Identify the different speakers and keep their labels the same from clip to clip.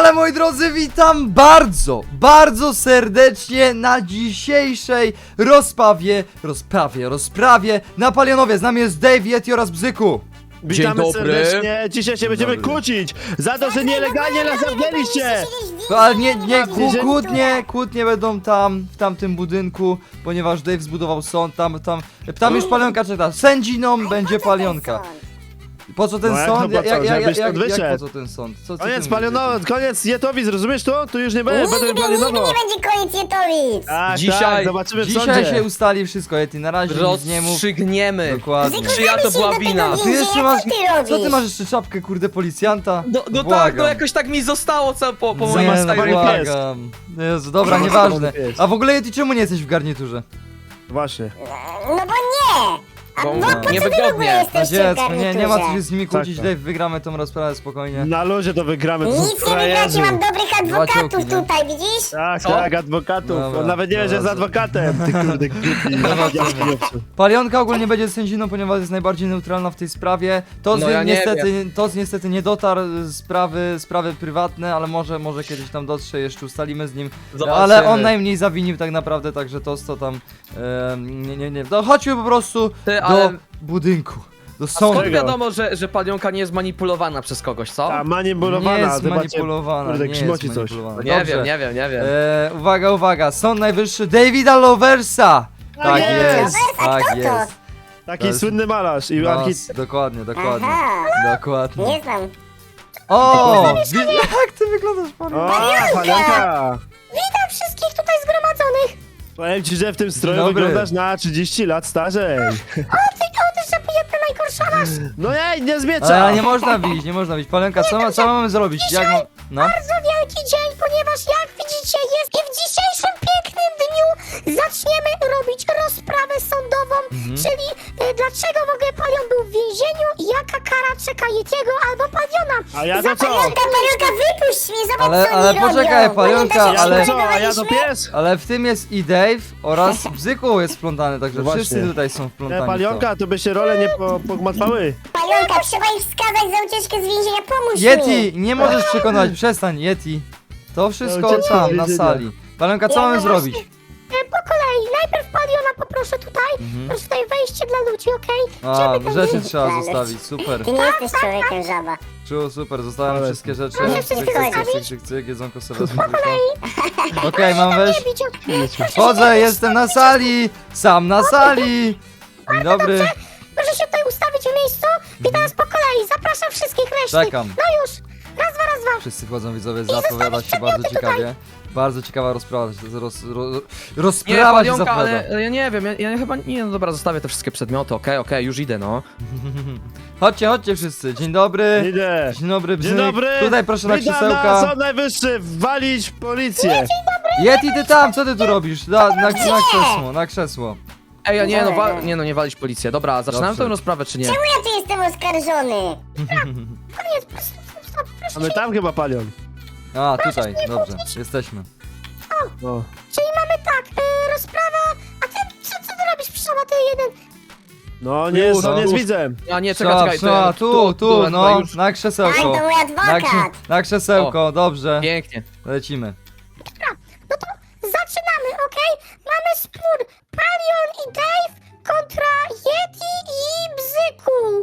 Speaker 1: Ale moi drodzy, witam bardzo serdecznie na dzisiejszej rozprawie na Palionowie. Z nami jest Dave, Yeti oraz Bzyku.
Speaker 2: Witamy
Speaker 3: Dzień dobry.
Speaker 2: serdecznie. Dzisiaj się będziemy kłócić za to, że nielegalnie nas zamknęliście.
Speaker 1: Ale kłótnie będą w tamtym budynku, ponieważ Dave zbudował sąd, tam już Palionka czeka. Sędziną będzie Palionka. Po co ten
Speaker 2: No jak
Speaker 1: sąd?
Speaker 2: to po co? Żebyś stąd
Speaker 1: Jak
Speaker 2: wyszedł.
Speaker 1: po co ten sąd? Co ty
Speaker 2: Koniec
Speaker 1: mówisz?
Speaker 2: Palionowo, koniec Jetowic, rozumiesz to? Tu już nie będzie, będę
Speaker 4: Nigdy
Speaker 2: Palionowo.
Speaker 4: nie będzie koniec Jetowic!
Speaker 2: Tak,
Speaker 3: Dzisiaj-
Speaker 2: zobaczymy w
Speaker 1: Dzisiaj
Speaker 2: sądzie.
Speaker 1: się ustali wszystko, Yeti, na razie nic nie mów.
Speaker 3: Rozstrzygniemy.
Speaker 1: Dokładnie.
Speaker 3: Czyja to była wina?
Speaker 1: Ty jeszcze masz,
Speaker 4: Co
Speaker 1: co ty masz jeszcze czapkę, kurde, policjanta?
Speaker 3: No tak,
Speaker 1: Błagam.
Speaker 3: no jakoś tak mi zostało po moim
Speaker 2: Zamiast
Speaker 1: Nie, no,
Speaker 2: stary
Speaker 3: stylu.
Speaker 2: pies.
Speaker 1: błagam. Jezu, dobra,
Speaker 2: Zamiast
Speaker 1: nieważne.
Speaker 2: stary pies.
Speaker 1: A w ogóle, Yeti, czemu nie jesteś w garniturze?
Speaker 2: Właśnie.
Speaker 4: No bo nie! A
Speaker 3: Bo
Speaker 4: po co wy w ogóle
Speaker 3: niewygodnie.
Speaker 1: Na
Speaker 4: jesteście w
Speaker 1: dziecko, nie ma co się
Speaker 4: garniturze?
Speaker 1: z nimi kłócić,
Speaker 2: Tak,
Speaker 1: Dave, wygramy tą rozprawę spokojnie.
Speaker 2: Na luzie to wygramy, to są
Speaker 4: Nic nie
Speaker 2: frajerzy.
Speaker 4: wygracie, mam dobrych adwokatów
Speaker 1: ciołki, nie?
Speaker 4: tutaj, widzisz?
Speaker 2: Tak,
Speaker 3: Co?
Speaker 2: tak, adwokatów.
Speaker 1: Dobra,
Speaker 2: On nawet nie wie, że jest
Speaker 1: dobra.
Speaker 2: adwokatem. Ty kurde, głupi.
Speaker 1: Palionka ogólnie będzie sędziną, ponieważ jest najbardziej neutralna w tej sprawie.
Speaker 3: No ja nie
Speaker 1: Tos niestety nie dotarł, sprawy prywatne, ale może kiedyś tam dotrze, jeszcze ustalimy z nim.
Speaker 3: Zobaczymy.
Speaker 1: Ale on najmniej zawinił tak naprawdę, także Tos to tam... nie. No chodźmy po prostu
Speaker 3: Ty,
Speaker 1: do
Speaker 3: ale-
Speaker 1: budynku, do
Speaker 3: A
Speaker 1: sądu.
Speaker 3: skąd wiadomo, że Palionka nie jest manipulowana przez kogoś, co?
Speaker 2: Ta
Speaker 1: Nie
Speaker 2: manipulowana,
Speaker 1: jest
Speaker 2: zobaczcie.
Speaker 1: manipulowana,
Speaker 2: Kurde,
Speaker 1: nie jest
Speaker 2: grzmoci coś.
Speaker 1: manipulowana.
Speaker 3: Nie
Speaker 1: Dobrze.
Speaker 3: wiem.
Speaker 1: Uwaga, Sąd Najwyższy Davida Loversa! Tak
Speaker 2: jest.
Speaker 1: jest,
Speaker 4: A
Speaker 1: tak
Speaker 4: kto to?
Speaker 1: jest.
Speaker 2: Taki
Speaker 1: To
Speaker 2: słynny malarz i
Speaker 1: No,
Speaker 2: architekt.
Speaker 1: dokładnie.
Speaker 4: Aha,
Speaker 1: Dokładnie.
Speaker 4: nie znam.
Speaker 1: O! Jak ty wyglądasz,
Speaker 2: O,
Speaker 1: Palionka?
Speaker 2: Palionka!
Speaker 4: Witam wszystkich tutaj zgromadzonych!
Speaker 2: Powiem ci, że w tym stroju
Speaker 1: dobry.
Speaker 2: wyglądasz na 30 lat starzej.
Speaker 4: Ty zapijemy najgorsza masz!
Speaker 2: No nie zmiecza!
Speaker 1: Ale nie można bić, Palionka, co mamy zrobić? Jak mam... No?
Speaker 4: Bardzo wielki dzień, ponieważ jak widzicie jest i w dzisiejszym pięknym dniu zaczniemy robić rozprawę sądową, czyli dlaczego w ogóle Palion był w więzieniu i jaka kara czeka Yetiego albo Paliona.
Speaker 2: A ja to co?
Speaker 4: Palionka, wypuść mnie, zobacz co
Speaker 1: Ale
Speaker 4: oni
Speaker 1: poczekaj,
Speaker 4: robią.
Speaker 1: Palionka,
Speaker 4: Pamiętasz, jak
Speaker 1: ale-
Speaker 4: się
Speaker 2: Co, a ja to
Speaker 4: dogadywaliśmy?
Speaker 2: pies?
Speaker 1: Ale w tym jest i Dave oraz Bzyku jest wplątany, także
Speaker 2: No właśnie.
Speaker 1: wszyscy tutaj są wplątani w to.
Speaker 2: Palionka, to by się role nie pogmatwały.
Speaker 4: Palionka, trzeba ich skazać za ucieczkę z więzienia, pomóż mi!
Speaker 1: Yeti, nie możesz przekonać, przestań, Yeti. To wszystko
Speaker 2: ucieczka z
Speaker 1: tam, na
Speaker 2: więzienia.
Speaker 1: sali. Palionka, co
Speaker 4: Ja
Speaker 1: mamy
Speaker 4: no
Speaker 1: zrobić?
Speaker 4: Po kolei, najpierw Paliona poproszę tutaj, proszę tutaj wejście dla ludzi, okej?
Speaker 1: A,
Speaker 4: Żeby
Speaker 1: rzeczy
Speaker 4: tam-
Speaker 1: trzeba
Speaker 4: Ale-
Speaker 1: zostawić, super.
Speaker 4: Ty nie jesteś człowiekiem, żaba.
Speaker 1: Super, zostawiam
Speaker 2: Ale-
Speaker 1: wszystkie rzeczy.
Speaker 4: Proszę wszystko zostawić.
Speaker 1: Cyk, jedzonko sobie wezmę tylko. Okej, mam wejść.
Speaker 4: Nie bić, okej?
Speaker 1: Wchodzę, jestem na sali! Sam na sali! Dzień dobry.
Speaker 4: Proszę się tutaj ustawić w miejscu i teraz po kolei zapraszam wszystkich reszty.
Speaker 1: Czekam.
Speaker 4: No już, raz, dwa.
Speaker 1: Wszyscy wchodzą, widzowie, zapowiada się bardzo ciekawie. Bardzo ciekawa rozprawa,
Speaker 3: Nie,
Speaker 1: rozprawa się
Speaker 3: Palionka,
Speaker 1: zapowiada.
Speaker 3: ale ja nie wiem, ja chyba, nie, no dobra, zostawię te wszystkie przedmioty, okej, już idę, no.
Speaker 1: Chodźcie wszyscy, dzień dobry.
Speaker 2: Idę.
Speaker 1: Dzień dobry,
Speaker 2: Dzień
Speaker 1: Bzyk.
Speaker 2: dobry.
Speaker 1: Tutaj proszę na
Speaker 2: Witam
Speaker 1: krzesełka.
Speaker 2: Sąd Najwyższy, walić policję.
Speaker 1: Yeti, ty tam, co ty tu robisz? Na krzesło.
Speaker 3: Ej, nie walić policję, dobra, zaczynamy
Speaker 1: Dobrze.
Speaker 3: tę rozprawę, czy nie?
Speaker 4: Czemu ja tu jestem oskarżony? Koniec, proszę,
Speaker 2: A my tam chyba Palion.
Speaker 1: A, tutaj, dobrze, jesteśmy.
Speaker 2: No.
Speaker 4: Czyli mamy tak, rozprawa, a ty, co ty robisz, przyszoła, ty jeden?
Speaker 2: No nie,
Speaker 1: Już,
Speaker 2: no nie
Speaker 1: już.
Speaker 2: z widzem.
Speaker 3: A nie, czekaj,
Speaker 1: Tu, no,
Speaker 3: już.
Speaker 1: na krzesełko.
Speaker 4: Tak, to mój adwokat.
Speaker 1: Na krzesełko, dobrze.
Speaker 3: Pięknie.
Speaker 1: Lecimy.
Speaker 4: No to zaczynamy, okej? Mamy spór Palion i Dave kontra Yeti i Bzyku.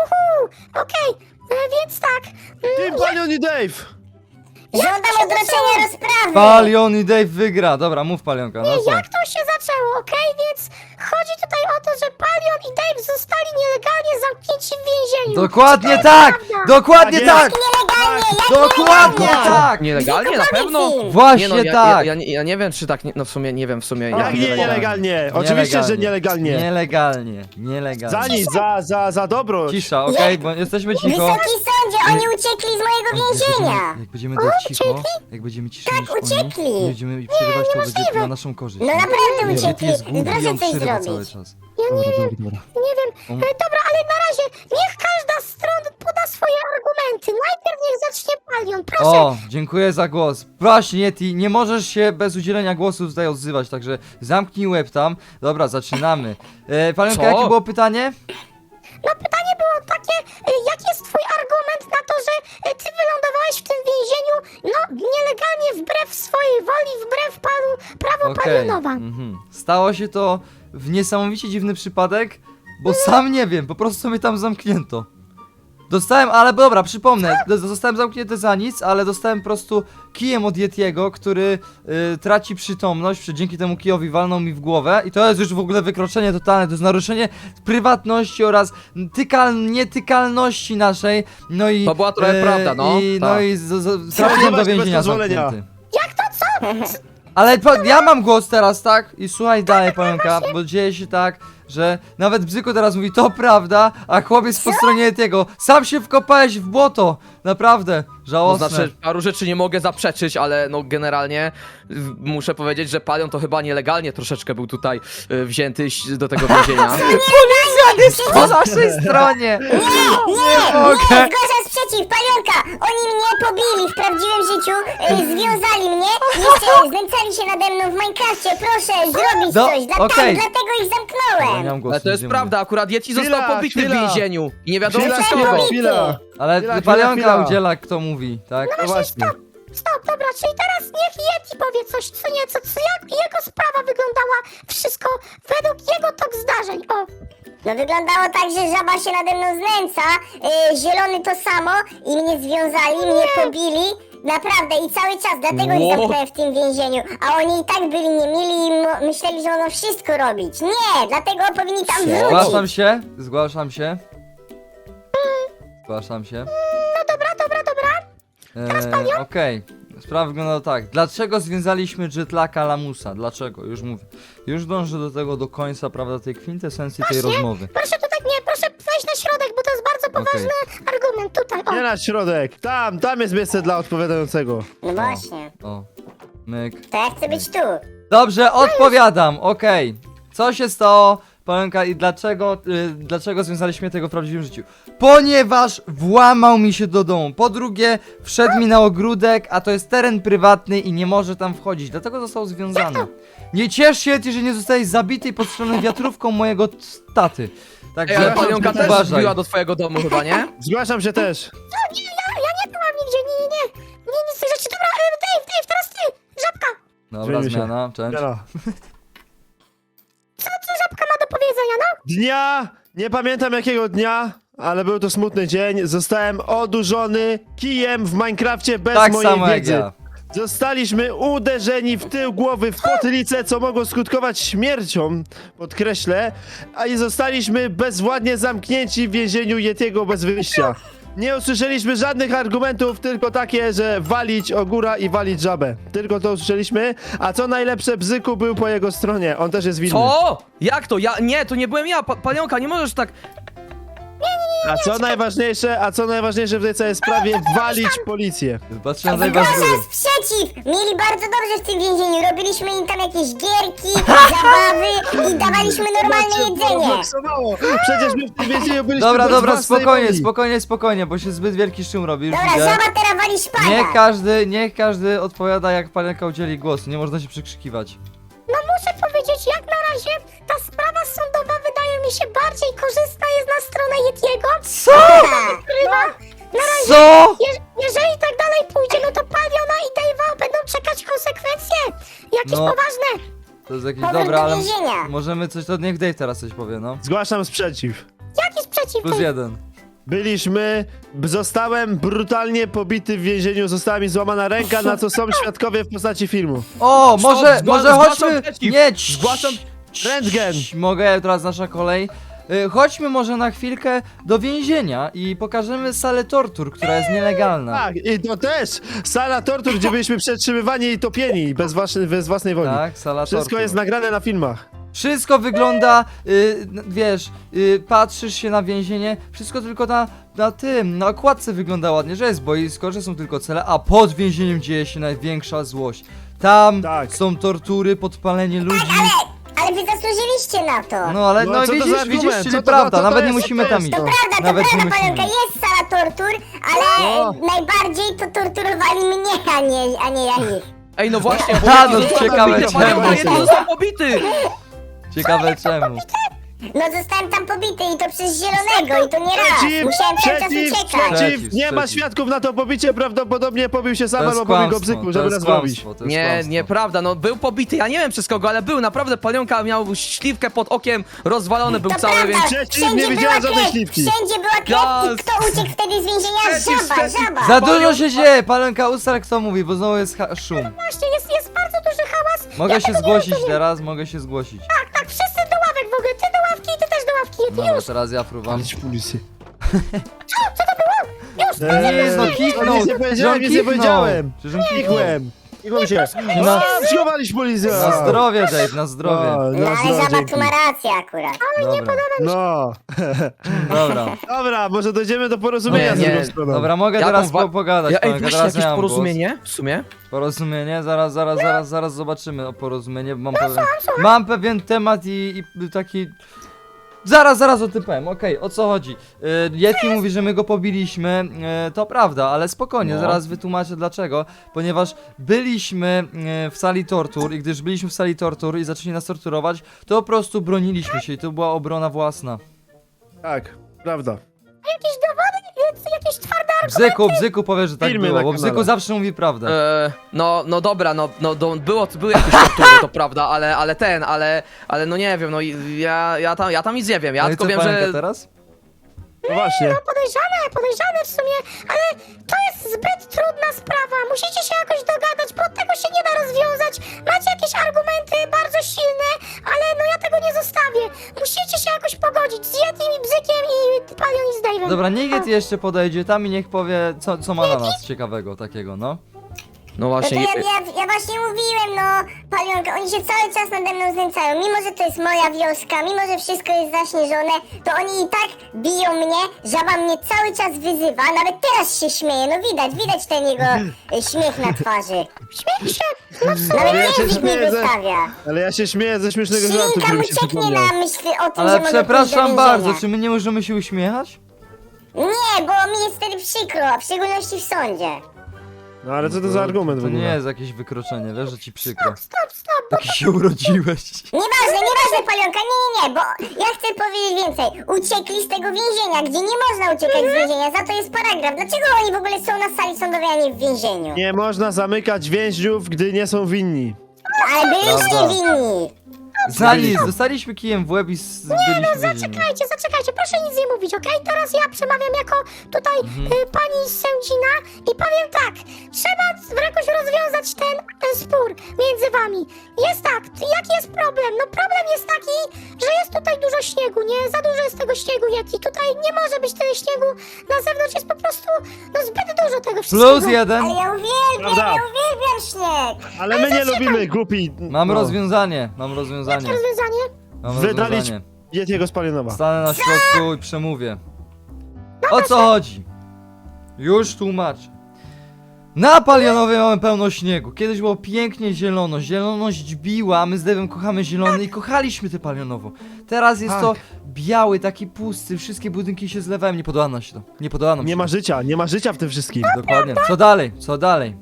Speaker 4: Okej, więc tak.
Speaker 2: Ty, Palion i Dave.
Speaker 4: Żądam odroczenia rozprawy.
Speaker 1: Palion i Dave wygra. Dobra, mów Palionka, no co?
Speaker 4: Jak to się zaczęło, okej? Więc chodzi tutaj o to, że Palion i Dave zostali nielegalnie zamknięci w więzieniu.
Speaker 1: Dokładnie
Speaker 4: To
Speaker 1: tak!
Speaker 4: jest prawda.
Speaker 1: Dokładnie
Speaker 2: Tak
Speaker 1: tak!
Speaker 4: Nielegalnie, jak
Speaker 1: Dokładnie
Speaker 4: nielegalnie?
Speaker 1: tak!
Speaker 3: Nielegalnie, na
Speaker 4: Bzyku,
Speaker 3: pewno?
Speaker 4: powiedz im.
Speaker 1: Właśnie
Speaker 3: Nie, no,
Speaker 1: tak!
Speaker 3: ja nie wiem, czy tak, no w sumie, nie wiem, w sumie.
Speaker 2: Jak nie nielegalnie? Oczywiście, że nielegalnie.
Speaker 1: Nielegalnie.
Speaker 2: Za nic, za dobro.
Speaker 1: Cisza, okej, bo jesteśmy cicho.
Speaker 4: Wysoki sądzie, oni uciekli z mojego więzienia.
Speaker 1: Jak będziemy tak cicho, jak będziemy ciszej
Speaker 4: Tak,
Speaker 1: niż oni,
Speaker 4: uciekli.
Speaker 1: nie będziemy przerywać, to będzie na naszą korzyść.
Speaker 4: No naprawdę
Speaker 1: Yeti
Speaker 4: uciekli.
Speaker 1: jest głupi,
Speaker 4: Proszę
Speaker 1: on
Speaker 4: coś
Speaker 1: przerywa cały
Speaker 4: zrobić.
Speaker 1: czas.
Speaker 4: Ja nie wiem. Dobra, ale na razie niech każda z stron poda swoje argumenty. Najpierw niech zacznie Palion, proszę.
Speaker 1: O, dziękuję za głos. Właśnie, Yeti, nie możesz się bez udzielenia głosu tutaj odzywać, także zamknij łeb tam. Dobra, zaczynamy. Palionka,
Speaker 3: Co?
Speaker 1: jakie było pytanie?
Speaker 4: No pytanie było takie, jaki jest twój argument na to, że ty wylądowałeś w tym więzieniu, no wbrew swojej woli, wbrew prawu Palionowa.
Speaker 1: Stało się to w niesamowicie dziwny przypadek, bo sam nie wiem, po prostu mnie tam zamknięto. Dostałem, ale dobra, przypomnę, zostałem zamknięty za nic, ale dostałem po prostu kijem od Yetiego, który traci przytomność, dzięki temu kijowi walnął mi w głowę i to jest już w ogóle wykroczenie totalne, to jest naruszenie prywatności oraz nietykalności naszej, no i...
Speaker 3: To była trochę prawda, no.
Speaker 1: No
Speaker 3: Tak.
Speaker 1: i trafiłem do
Speaker 2: Bez
Speaker 1: więzienia
Speaker 2: pozwolenia.
Speaker 1: zamknięty.
Speaker 4: Jak to co?
Speaker 1: Ale ja mam głos teraz, tak? I słuchaj dalej, Palionka, bo dzieje się tak, że nawet Bzyku teraz mówi, to prawda, a chłopiec po stronie tego, sam się wkopałeś w błoto, naprawdę,
Speaker 3: To
Speaker 1: żałosne.
Speaker 3: znaczy, paru rzeczy nie mogę zaprzeczyć, ale no generalnie muszę powiedzieć, że Palion to chyba nielegalnie troszeczkę był tutaj wzięty do tego więzienia.
Speaker 1: Policja jest po naszej stronie!
Speaker 4: Nie
Speaker 1: mogę.
Speaker 4: zgłaszam sprzeciw, Palionka! Oni mnie pobili w prawdziwym życiu, związali mnie, jeszcze znęcali się nade mną w Minecrafcie, proszę zrobić
Speaker 1: No,
Speaker 4: coś,
Speaker 1: okej.
Speaker 4: dlatego ich
Speaker 1: Ja
Speaker 4: zamknąłem!
Speaker 1: nie mam głosu,
Speaker 3: Ale to jest
Speaker 1: nic nie
Speaker 3: prawda, akurat Yeti został
Speaker 2: Chwila,
Speaker 3: pobity w
Speaker 2: chwila.
Speaker 3: więzieniu i nie wiadomo
Speaker 2: Chwila,
Speaker 3: przez
Speaker 2: chwila,
Speaker 3: kogo.
Speaker 2: chwila.
Speaker 1: Ale
Speaker 2: Chwila,
Speaker 1: Palionka
Speaker 2: chwila.
Speaker 1: udziela, kto mówi, tak?
Speaker 2: No właśnie.
Speaker 4: Stop, dobra, czyli teraz niech Yeti powie coś, co nieco, jak jego sprawa wyglądała, wszystko według jego tok zdarzeń, o! No wyglądało tak, że żaba się nade mną znęca, zielony to samo i mnie związali, mnie pobili, naprawdę i cały czas, dlatego ich
Speaker 3: Wow.
Speaker 4: zamknąłem w tym więzieniu, a oni i tak byli niemili i myśleli, że mogą wszystko robić. Nie, dlatego powinni tam
Speaker 1: Zgłaszam
Speaker 4: wrócić.
Speaker 1: się, zgłaszam się. Zgłaszam się.
Speaker 4: No dobra.
Speaker 1: Okej, sprawa wygląda tak. Dlaczego związaliśmy Jetlaka Lamusa? Dlaczego? Już mówię. Już dążę do tego do końca, prawda, tej kwintesencji tej rozmowy.
Speaker 4: Proszę tutaj, nie, proszę wejść na środek, bo to jest bardzo poważny argument, tutaj, o.
Speaker 2: Nie na środek. Tam jest miejsce dla odpowiadającego.
Speaker 4: No właśnie,
Speaker 1: O, myk.
Speaker 4: to ja chcę być tu.
Speaker 1: Dobrze, odpowiadam, okej. Co się stało, Palionka, i dlaczego związaliśmy tego w prawdziwym życiu? Ponieważ włamał mi się do domu. Po drugie, wszedł mi na ogródek, a to jest teren prywatny i nie może tam wchodzić, dlatego został związany. Nie ciesz się, ty, że nie zostałeś zabity i podstrzelony wiatrówką mojego taty.
Speaker 3: Ej,
Speaker 1: Także
Speaker 3: ale Palionka też
Speaker 1: uważaj.
Speaker 3: wbiła do twojego domu chyba, nie?
Speaker 2: Zgłaszam się też.
Speaker 4: Ja nie byłam nigdzie, nie, nic z tych rzeczy. Dobra, Dave, teraz ty, Żabka.
Speaker 1: Dobra,
Speaker 2: Zmieni się.
Speaker 1: zmiana, cześć.
Speaker 2: Jana.
Speaker 4: Co Żabka ma do powiedzenia, no?
Speaker 2: Dnia, nie pamiętam jakiego dnia, ale był to smutny dzień. Zostałem odurzony kijem w Minecrafcie bez
Speaker 1: Tak
Speaker 2: mojej
Speaker 1: samo jak
Speaker 2: wiedzy.
Speaker 1: ja.
Speaker 2: Zostaliśmy uderzeni w tył głowy, w potylicę, co mogło skutkować śmiercią, podkreślę, a i zostaliśmy bezwładnie zamknięci w więzieniu Yetiego bez wyjścia. Nie usłyszeliśmy żadnych argumentów, tylko takie, że walić ogóra i walić żabę. Tylko to usłyszeliśmy, a co najlepsze, Bzyku był po jego stronie, on też jest winny.
Speaker 3: Co? Jak to? Nie, to nie byłem ja, Palionka, nie możesz tak...
Speaker 2: A co najważniejsze w tej całej sprawie, walić policję.
Speaker 1: Patrzyłem na was z góry.
Speaker 4: Zgłaszam sprzeciw! Mieli bardzo dobrze w tym więzieniu, robiliśmy im tam jakieś gierki, zabawy i dawaliśmy normalne jedzenie.
Speaker 2: Przecież my w tym więzieniu byliśmy
Speaker 1: Dobra,
Speaker 2: bez
Speaker 1: dobra,
Speaker 2: własnej woli.
Speaker 1: spokojnie, bo się zbyt wielki szum robi, już
Speaker 4: Dobra,
Speaker 1: widzę.
Speaker 4: żaba teraz wali szpada.
Speaker 1: Niech każdy odpowiada, jak Palionka udzieli głosu, nie można się przekrzykiwać.
Speaker 4: No muszę powiedzieć, jak na razie ta sprawa sądowa wydaje mi się bardziej korzystna jest na stronę Yetiego.
Speaker 1: Co?
Speaker 4: Ukrywa. Na razie,
Speaker 1: Co?
Speaker 4: jeżeli tak dalej pójdzie, no to Paliona i Dave'a będą czekać konsekwencje. Jakieś
Speaker 1: No.
Speaker 4: poważne.
Speaker 1: To jest jakieś
Speaker 4: Powrót
Speaker 1: dobra,
Speaker 4: do
Speaker 1: ale
Speaker 4: więzienia.
Speaker 1: możemy coś, to niech Dave teraz coś powie, no.
Speaker 2: Zgłaszam sprzeciw.
Speaker 4: Jaki sprzeciw?
Speaker 1: Plus jeden.
Speaker 2: Zostałem brutalnie pobity w więzieniu, została mi złamana ręka, na co są świadkowie w postaci filmu.
Speaker 1: O, może
Speaker 3: zgłaszam
Speaker 1: chodźmy...
Speaker 3: przeciw.
Speaker 1: Nie,
Speaker 3: Zgłaszam
Speaker 2: Rentgen.
Speaker 1: Mogę, teraz nasza kolej. Chodźmy może na chwilkę do więzienia i pokażemy salę tortur, która jest nielegalna.
Speaker 2: Tak, i to też sala tortur, gdzie byliśmy przetrzymywani i topieni bez własnej woli.
Speaker 1: Tak, sala
Speaker 2: Wszystko
Speaker 1: tortur.
Speaker 2: jest nagrane na filmach.
Speaker 1: Wszystko wygląda, wiesz, patrzysz się na więzienie, wszystko tylko na okładce wygląda ładnie, że jest boisko, że są tylko cele, a pod więzieniem dzieje się największa złość. Tam
Speaker 2: Tak.
Speaker 1: są tortury, podpalenie ludzi.
Speaker 4: Ale wy zasłużyliście na to.
Speaker 1: No ale
Speaker 2: No,
Speaker 1: no,
Speaker 2: co to za
Speaker 1: widzisz,
Speaker 2: argument?
Speaker 1: czyli
Speaker 2: Co to-
Speaker 1: prawda,
Speaker 2: co to
Speaker 1: nawet nie
Speaker 2: jest?
Speaker 1: musimy
Speaker 2: Co to
Speaker 1: tam
Speaker 2: jest?
Speaker 1: iść.
Speaker 2: To
Speaker 4: Prawda,
Speaker 1: Nawet
Speaker 4: to
Speaker 1: nie
Speaker 4: prawda,
Speaker 1: musimy.
Speaker 4: Palionka, jest sala tortur, ale
Speaker 2: No.
Speaker 4: najbardziej to torturowali mnie, a nie ja ich.
Speaker 3: Ej, no właśnie, bo
Speaker 1: A,
Speaker 3: Yeti
Speaker 1: no,
Speaker 3: został
Speaker 1: ciekawe
Speaker 3: pobity,
Speaker 1: czemu.
Speaker 3: Palionka, Yeti został pobity!
Speaker 1: Ciekawe czemu.
Speaker 4: No zostałem tam pobity i to przez zielonego i to nie raz. Musiałem cały czas uciekać.
Speaker 2: Przeciw, nie ma
Speaker 1: Przeciw.
Speaker 2: świadków na to pobicie, prawdopodobnie pobił się sam
Speaker 1: To jest
Speaker 2: albo pobił go
Speaker 1: kłamstwo,
Speaker 2: bzyku,
Speaker 1: to
Speaker 2: żeby
Speaker 1: jest
Speaker 2: nas robić.
Speaker 1: kłamstwo, to jest
Speaker 3: Nie,
Speaker 1: kłamstwo.
Speaker 3: nieprawda, no był pobity, ja nie wiem przez kogo, ale był, naprawdę Palionka miał śliwkę pod okiem, rozwalony był
Speaker 4: To
Speaker 3: cały,
Speaker 4: prawda,
Speaker 3: więc...
Speaker 2: Przeciw, nie
Speaker 4: wszędzie była
Speaker 2: widziałem żadnej
Speaker 4: krew,
Speaker 2: śliwki.
Speaker 4: wszędzie była krew
Speaker 3: Gaz.
Speaker 4: i kto uciekł wtedy z więzienia? Żaba, żaba.
Speaker 1: Za dużo się dzieje, Palenka, ustal kto mówi, bo znowu jest szum.
Speaker 4: Właśnie, jest bardzo duży hałas.
Speaker 1: Mogę
Speaker 4: Ja
Speaker 1: się
Speaker 4: tego nie
Speaker 1: zgłosić
Speaker 4: rozumiem.
Speaker 1: teraz, mogę się zgłosić.
Speaker 4: Tak, wszyscy do ławek w ogóle, ty do ławki i ty też do ławki, ty
Speaker 1: Dobra,
Speaker 4: już.
Speaker 1: teraz ja fruwam.
Speaker 2: Idź policję.
Speaker 4: Co to było? Już,
Speaker 1: Nie, no kiknął!
Speaker 2: Nic nie powiedziałem,
Speaker 1: Że on
Speaker 2: nic nie
Speaker 1: kiknął.
Speaker 2: powiedziałem.
Speaker 1: Przecież on kiknął.
Speaker 2: Kikłem. Kikłem się.
Speaker 1: Na-
Speaker 2: Schowaliśmy policję.
Speaker 1: Na zdrowie, Dave, na zdrowie.
Speaker 2: No,
Speaker 4: No ale
Speaker 2: zdrowie,
Speaker 4: żaba
Speaker 2: dzięki.
Speaker 4: tu ma rację akurat.
Speaker 1: Dobra,
Speaker 2: No.
Speaker 1: dobra.
Speaker 2: Dobra, może dojdziemy do porozumienia
Speaker 3: Nie,
Speaker 2: z
Speaker 3: nie.
Speaker 2: drugą stroną.
Speaker 1: Dobra, mogę
Speaker 3: Jaką
Speaker 1: teraz
Speaker 3: wa-
Speaker 1: pogadać,
Speaker 3: Ja, ej,
Speaker 1: Palenka,
Speaker 3: weźcie
Speaker 1: teraz
Speaker 3: jakieś
Speaker 1: ja mam
Speaker 3: porozumienie w sumie?
Speaker 1: głos. Porozumienie, zaraz zobaczymy o porozumienie, bo mam pewien temat i taki... Zaraz o tym powiem, okej, o co chodzi? Yeti mówi, że my go pobiliśmy, to prawda, ale spokojnie,
Speaker 3: No.
Speaker 1: zaraz wytłumaczę dlaczego, ponieważ byliśmy w sali tortur i gdyż byliśmy w sali tortur i zaczęli nas torturować, to po prostu broniliśmy się i to była obrona własna.
Speaker 2: Tak, prawda.
Speaker 4: Jakieś dowody, jakieś twarde argumenty.
Speaker 1: Bzyku powie, że tak
Speaker 2: Filmy
Speaker 1: było,
Speaker 2: na
Speaker 1: bo
Speaker 2: kanale.
Speaker 1: Bzyku zawsze mówi prawdę.
Speaker 3: No dobra, były jakieś tortury, to prawda, ale no nie wiem, no i ja tam nic nie wiem, ja
Speaker 1: No i
Speaker 3: tylko
Speaker 1: co,
Speaker 3: wiem,
Speaker 1: Palenka,
Speaker 3: że...
Speaker 1: teraz?
Speaker 2: No właśnie.
Speaker 4: Podejrzane w sumie, ale to jest zbyt trudna sprawa. Musicie się jakoś dogadać, bo tego się nie da rozwiązać. Macie jakieś argumenty bardzo silne, ale no ja tego nie zostawię. Musicie się jakoś pogodzić z Yetim i Bzykiem i Palion i z Dave'em.
Speaker 1: Dobra, niech Yeti jeszcze podejdzie tam i niech powie, co ma na nas ciekawego takiego, no.
Speaker 3: No
Speaker 4: No to
Speaker 3: właśnie,
Speaker 4: ja właśnie mówiłem, no, Palionka, oni się cały czas nade mną znęcają. Mimo, że to jest moja wioska, mimo, że wszystko jest zaśnieżone, to oni i tak biją mnie, żaba mnie cały czas wyzywa, nawet teraz się śmieje, no widać ten jego śmiech na twarzy. Śmiech się, no,
Speaker 2: Ale ja
Speaker 4: nawet
Speaker 2: się
Speaker 4: język mi
Speaker 2: śmieję ze-
Speaker 4: wystawia.
Speaker 2: Ale ja się śmieję ze śmiesznego żartu,
Speaker 4: Ślinka
Speaker 2: który
Speaker 4: mu
Speaker 2: mi się
Speaker 4: cieknie
Speaker 2: przypomniał.
Speaker 4: na myśl o tym, że
Speaker 1: Ale
Speaker 4: mogę
Speaker 1: przepraszam
Speaker 4: pójść do
Speaker 1: bardzo,
Speaker 4: więzienia.
Speaker 1: czy my nie możemy się uśmiechać?
Speaker 4: Nie, bo mi jest wtedy przykro, a w szczególności w sądzie.
Speaker 2: No ale co to za argument w
Speaker 1: To nie
Speaker 2: ogóle?
Speaker 1: jest jakieś wykroczenie, wiesz, że ci przykro.
Speaker 4: Stop.
Speaker 1: Taki się urodziłeś.
Speaker 4: Nieważne, Palionka, nie, bo ja chcę powiedzieć więcej. Uciekli z tego więzienia, gdzie nie można uciekać z więzienia, za to jest paragraf. Dlaczego oni w ogóle są na sali sądowej, a nie w więzieniu?
Speaker 2: Nie można zamykać więźniów, gdy nie są winni.
Speaker 4: Ale byliście
Speaker 1: Prawda.
Speaker 4: winni.
Speaker 1: Za nic, dostaliśmy kijem w łeb i byliśmy w więzieniu.
Speaker 4: Zaczekajcie, proszę nic nie mówić, okej? Teraz ja przemawiam jako tutaj pani sędzina i powiem tak. Trzeba jakoś rozwiązać ten spór między wami. Jest tak, jaki jest problem? No problem jest taki, że jest tutaj dużo śniegu, nie? Za dużo jest tego śniegu, Yeti. Tutaj nie może być tyle śniegu. Na zewnątrz jest po prostu, no zbyt dużo tego wszystkiego.
Speaker 1: Plus jeden.
Speaker 4: Ale ja
Speaker 2: Prawda.
Speaker 4: uwielbiam śnieg.
Speaker 2: Ale my nie lubimy, głupi.
Speaker 1: Mam
Speaker 2: No.
Speaker 1: rozwiązanie.
Speaker 4: Jakie rozwiązanie?
Speaker 1: Mam
Speaker 2: Wydalić
Speaker 1: rozwiązanie.
Speaker 2: Yetiego z Palionowa.
Speaker 1: Stanę na środku i przemówię. O co chodzi? Już tłumaczę. Na Palionowie mamy pełno śniegu. Kiedyś było pięknie zielono. Zieloność biła, a my z Devem kochamy zielony i kochaliśmy te Palionowo. Teraz jest to biały, taki pusty, wszystkie budynki się zlewają. Nie podoba nam się to. Nie podoba nam się
Speaker 2: Nie
Speaker 1: to.
Speaker 2: ma życia w tym wszystkim.
Speaker 1: Dokładnie. Co dalej?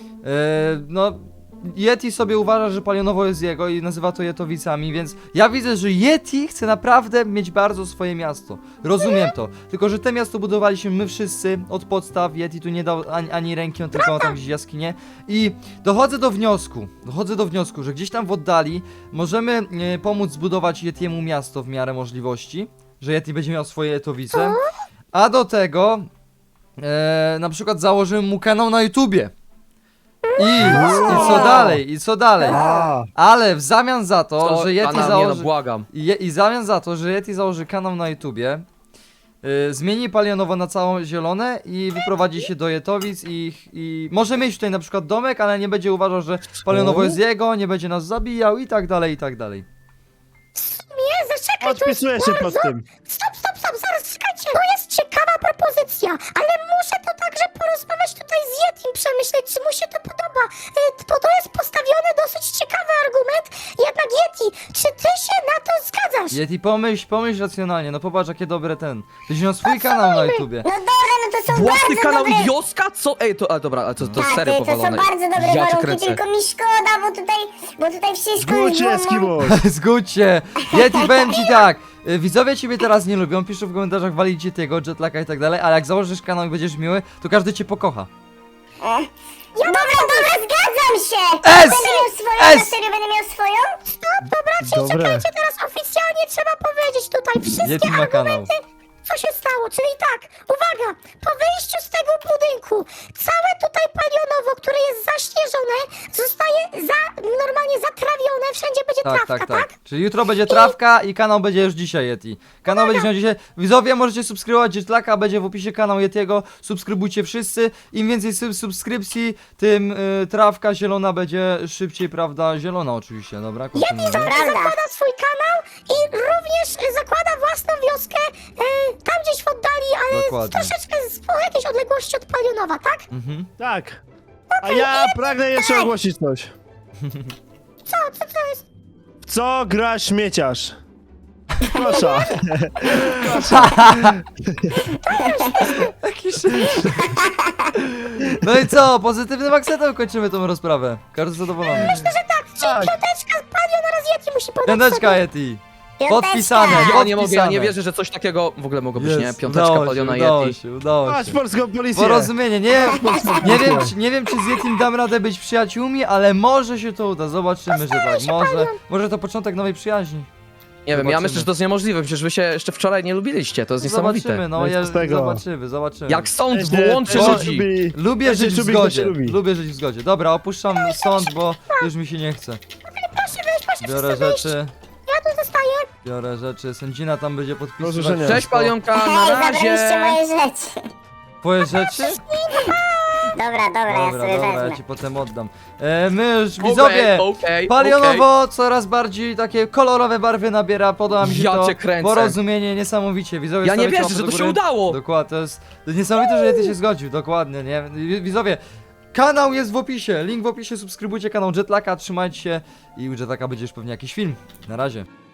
Speaker 1: No, Yeti sobie uważa, że Palionowo jest jego i nazywa to Jetowicami, więc ja widzę, że Yeti chce naprawdę mieć bardzo swoje miasto. Rozumiem to. Tylko, że te miasto budowaliśmy my wszyscy od podstaw. Yeti tu nie dał ani ręki, on tylko ma tam gdzieś jaskinię. I dochodzę do wniosku, że gdzieś tam w oddali możemy pomóc zbudować Yetiemu miasto w miarę możliwości, że Yeti będzie miał swoje Jetowice. A do tego na przykład założymy mu kanał na YouTubie. I co dalej?
Speaker 2: A,
Speaker 1: Ale w zamian za to,
Speaker 3: to,
Speaker 1: że Yeti
Speaker 3: nie no,
Speaker 1: założy...
Speaker 3: błagam.
Speaker 1: I w zamian za to, że Yeti założy kanał na YouTubie, zmieni Palionowo na całą zielone i wyprowadzi się do Jetowic i może mieć tutaj na przykład domek, ale nie będzie uważał, że Palionowo jest jego, nie będzie nas zabijał i tak dalej, i tak dalej.
Speaker 4: Nie, zaczekaj, to jest
Speaker 2: podpisuję się pod
Speaker 4: bardzo...
Speaker 2: tym.
Speaker 4: Stop, zaraz, czekajcie. To jest ciekawa propozycja, ale muszę to także porozmawiać tutaj z Yetim, przemyśleć, czy mu się to podoba. Bo to jest postawiony dosyć ciekawy argument. Jednak Yeti, czy ty się na to zgadzasz?
Speaker 1: Yeti, pomyśl racjonalnie, no popatrz jakie dobre ten. Tyś miał swój kanał na YouTubie.
Speaker 4: No dobra, no to są
Speaker 3: Własny
Speaker 4: bardzo
Speaker 3: kanał
Speaker 4: dobre...
Speaker 3: i wioska? Co? Ej, to dobra, ale to
Speaker 4: Tak,
Speaker 3: serio
Speaker 4: to są
Speaker 3: powalone.
Speaker 4: bardzo dobre
Speaker 3: Ja cię
Speaker 4: warunki,
Speaker 3: kręcę.
Speaker 4: tylko mi szkoda, bo tutaj wszystko
Speaker 2: Zgódź się,
Speaker 4: jest wolno.
Speaker 2: Eskimo.
Speaker 1: Zgódź się! Yeti, powiem ci tak! widzowie ciebie teraz nie lubią, piszą w komentarzach, walicie tego, jetlaka i tak dalej, ale jak założysz kanał i będziesz miły, to każdy cię pokocha.
Speaker 4: Dobra, zgadzam się!
Speaker 1: S!
Speaker 4: Będę miał swoją,
Speaker 1: S!
Speaker 4: na serio będę miał swoją? Stop, dobra, czyli
Speaker 2: Dobre.
Speaker 4: czekajcie, teraz oficjalnie trzeba powiedzieć tutaj wszystkie
Speaker 1: Yeti ma kanał.
Speaker 4: argumenty, co się stało, czyli tak, uwaga, po wyjściu z tego budynku, całe tutaj palionowo, które jest zaśnieżone, zostaje normalnie zatrawione, wszędzie będzie trawka, tak?
Speaker 1: Czyli jutro będzie trawka i kanał będzie już dzisiaj Yeti. Kanał będzie miał dzisiaj. Widzowie, możecie subskrybować Jetlaka, będzie w opisie kanał Yetiego. Subskrybujcie wszyscy. Im więcej subskrypcji, tym trawka zielona będzie szybciej, prawda? Zielona oczywiście, dobra? Kontynuujemy.
Speaker 4: Zakłada swój kanał i również zakłada własną wioskę tam gdzieś w oddali, ale
Speaker 1: Dokładnie.
Speaker 4: troszeczkę po jakiejś odległości od Palionowa, tak?
Speaker 1: Mhm.
Speaker 2: Tak. A ja pragnę jeszcze ogłosić coś.
Speaker 4: Co jest?
Speaker 2: W co gra śmieciarz? Proszę.
Speaker 1: Jaki szybki. No i co? Pozytywnym akcentem kończymy tą rozprawę. Każdy zadowolony.
Speaker 4: Myślę, że tak, czyli
Speaker 2: Tak.
Speaker 4: piąteczka z Palion oraz Yeti musi podać
Speaker 1: Piąteczka
Speaker 4: sobie.
Speaker 1: Yeti.
Speaker 4: Piąteczka.
Speaker 1: Podpisane.
Speaker 3: Ja nie mogę, ja nie
Speaker 1: Podpisane.
Speaker 3: wierzę, że coś takiego w ogóle mogło być, nie?
Speaker 1: Jest,
Speaker 3: Piąteczka
Speaker 1: udało
Speaker 3: Paliona
Speaker 1: się, udało
Speaker 3: Yeti.
Speaker 1: się, udało
Speaker 2: Masz
Speaker 1: się.
Speaker 2: polską policję.
Speaker 1: Porozumienie, nie wiem czy z Yetim dam radę być przyjaciółmi, ale może się to uda, zobaczymy, że tak, może to początek nowej przyjaźni.
Speaker 3: Nie wiem, ja
Speaker 1: Zobaczymy.
Speaker 3: myślę, że to jest niemożliwe, przecież wy się jeszcze wczoraj nie lubiliście, to jest niesamowite.
Speaker 1: Zobaczymy, no
Speaker 2: No i co z tego?
Speaker 1: zobaczymy.
Speaker 3: Jak sąd
Speaker 2: Będzie-
Speaker 3: włączy
Speaker 2: będzie
Speaker 3: ludzi.
Speaker 2: lubi-
Speaker 1: Lubię
Speaker 2: będzie
Speaker 1: żyć w
Speaker 2: lubi, kto
Speaker 1: zgodzie,
Speaker 2: się lubi.
Speaker 1: lubię żyć w zgodzie. Dobra, opuszczam sąd, bo już mi się nie chce.
Speaker 4: Proszę wyjść, proszę
Speaker 1: Biorę
Speaker 4: wszyscy wyjść.
Speaker 1: rzeczy,
Speaker 4: Ja tu zostaję.
Speaker 1: sędzina tam będzie podpisywać.
Speaker 2: Rozrzeszenia.
Speaker 3: Cześć Palionka, na
Speaker 4: Hej, zabraliście
Speaker 3: razie!
Speaker 4: moje rzeczy.
Speaker 1: Twoje rzeczy?
Speaker 4: Dobra, ja sobie
Speaker 1: Dobra, ja
Speaker 4: wezmę.
Speaker 1: ci potem oddam. My już, widzowie,
Speaker 3: Okej.
Speaker 1: palionowo coraz bardziej takie kolorowe barwy nabiera, podoba mi się
Speaker 3: Ja
Speaker 1: to
Speaker 3: cię kręcę.
Speaker 1: porozumienie, niesamowicie. Widzowie,
Speaker 3: Ja nie
Speaker 1: stawiacie
Speaker 3: wierzę,
Speaker 1: łapę
Speaker 3: że
Speaker 1: do
Speaker 3: to się
Speaker 1: góry.
Speaker 3: udało.
Speaker 1: Dokładnie, to jest niesamowite, że Yeti się zgodził, dokładnie, nie? Widzowie, kanał jest w opisie, link w opisie, subskrybujcie kanał Jetlaka, trzymajcie się i u Jetlaka będzie już pewnie jakiś film. Na razie.